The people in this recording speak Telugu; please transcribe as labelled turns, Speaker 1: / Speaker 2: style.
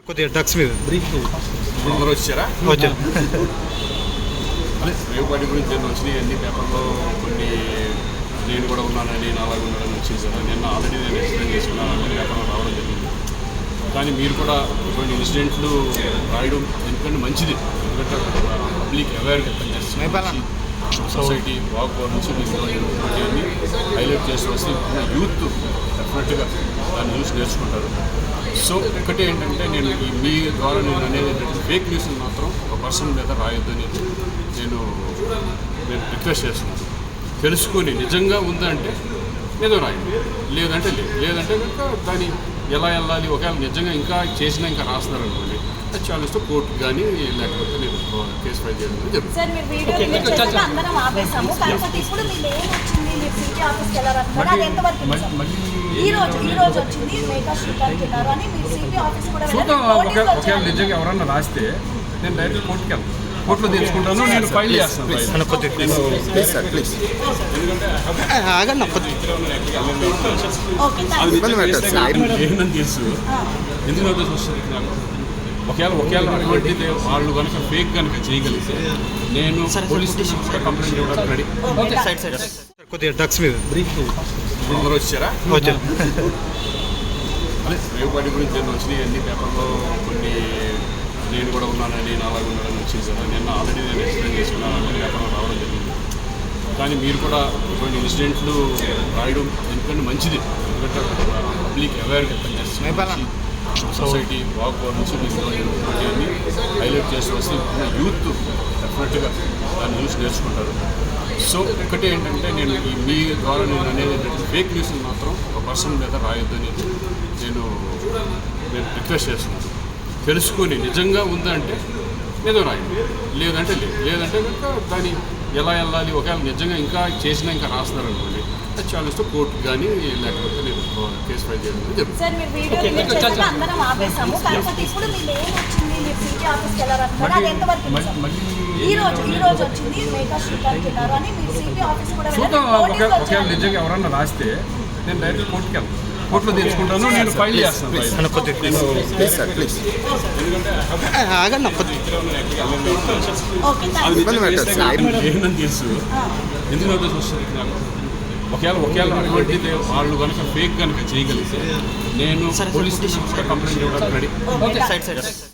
Speaker 1: కొద్దిగా డ్రగ్స్ మీద
Speaker 2: బ్రీఫ్ అందరూ వచ్చారా?
Speaker 1: వచ్చారు.
Speaker 2: అదే రేవుపాటి గురించి నేను వచ్చినాయి అన్ని పేపర్లో కొన్ని నేను కూడా ఉన్నానని అలాగే ఉన్నానని వచ్చేసాను. నిన్న ఆల్రెడీ నేను ఎక్స్ప్లెయిన్ చేసుకున్నాను, అన్ని పేపర్లో రావడం జరిగింది. కానీ మీరు కూడా ఇటువంటి ఇన్సిడెంట్లు రాయడం ఎందుకంటే మంచిది, ఎందుకంటే పబ్లిక్ అవేర్నెస్ సొసైటీ వాక్ నుంచి మీకు ఇవన్నీ హైలైట్ చేసి వస్తే యూత్ డెఫినెట్గా దాన్ని చూసి నేర్చుకుంటారు. సో ఒకటి ఏంటంటే నేను మీ ద్వారా నేను అనేది ఏంటంటే ఫేక్ న్యూస్ని మాత్రం ఒక పర్సన్ మీద రాయొద్దని నేను రిక్వెస్ట్ చేస్తున్నాను. తెలుసుకొని నిజంగా ఉందంటే ఏదో రాయండి, లేదంటే లేదంటే కనుక దాన్ని ఎలా వెళ్ళాలి, ఒకవేళ నిజంగా ఇంకా చేసినా ఇంకా రాస్తున్నారు అనుకోండి, అది చాలా కోర్టు కానీ లేకపోతే నేను కేసు ఫైల్ చేయడం చూద్దాం. ఒకవేళ నిజంగా ఎవరన్నా రాస్తే నేను డైరెక్ట్ కోర్టుకి వెళ్తాను, కోర్టులో తెచ్చుకుంటాను, నేను ఫైల్ చేస్తాను. ఏంటని తెలుసు ఎందుకు నోటీస్ వస్తుంది నాకు. ఒకవేళ అటువంటిది వాళ్ళు కనుక ఫేక్ కనుక చేయగలిగితే నేను పోలీస్ స్టేషన్ కూడా కంప్లైంట్ ఇవ్వడానికి రెడీ.
Speaker 1: కొద్దిగా డ్రగ్స్ మీద
Speaker 2: బ్రీఫ్ అందరూ వచ్చారా?
Speaker 1: వచ్చారు.
Speaker 2: అదే రేవుపాటి గురించి నేను వచ్చినాయి అన్ని పేపర్లో కొన్ని నేను కూడా ఉన్నానని అలాగే ఉన్నానని వచ్చేసాను. నిన్న ఆల్రెడీ నేను ఎక్స్ప్లెయిన్ చేసుకున్నాను, అన్ని పేపర్లో రావడం జరిగింది. కానీ మీరు కూడా ఇటువంటి ఇన్సిడెంట్లు రాయడం ఎందుకంటే మంచిది, ఎందుకంటే పబ్లిక్ అవేర్నెస్ సొసైటీ వాక్ నుంచి మీకు ఇవన్నీ హైలైట్ చేసి వస్తే యూత్ డెఫినెట్గా దాన్ని చూసి నేర్చుకుంటారు. సో ఒకటి ఏంటంటే నేను మీ ద్వారా నేను అనేది ఏంటంటే ఫేక్ న్యూస్ని మాత్రం ఒక పర్సన్ మీద రాయొద్దని నేను రిక్వెస్ట్ చేస్తున్నాను. తెలుసుకొని నిజంగా ఉందంటే ఏదో రాయండి, లేదంటే లేదంటే కనుక దాన్ని ఎలా వెళ్ళాలి, ఒకవేళ నిజంగా ఇంకా చేసినా ఇంకా రాస్తున్నారు అనుకోండి, అది చాలా కోర్టు కానీ లేకపోతే నేను కేసు ఫైల్ చేయడం చూద్దాం. ఒకవేళ నిజంగా ఎవరన్నా రాస్తే నేను డైరెక్ట్ కోర్టుకి వెళ్తాను, కోర్టులో తెచ్చుకుంటాను, నేను ఫైల్ చేస్తాను. ఏంటని తెలుసు ఎందుకు నోటీస్ వస్తుంది నాకు. ఒకవేళ అటువంటిది వాళ్ళు కనుక ఫేక్ కనుక చేయగలిగితే నేను పోలీస్ స్టేషన్ కూడా కంప్లైంట్ ఇవ్వడానికి రెడీ.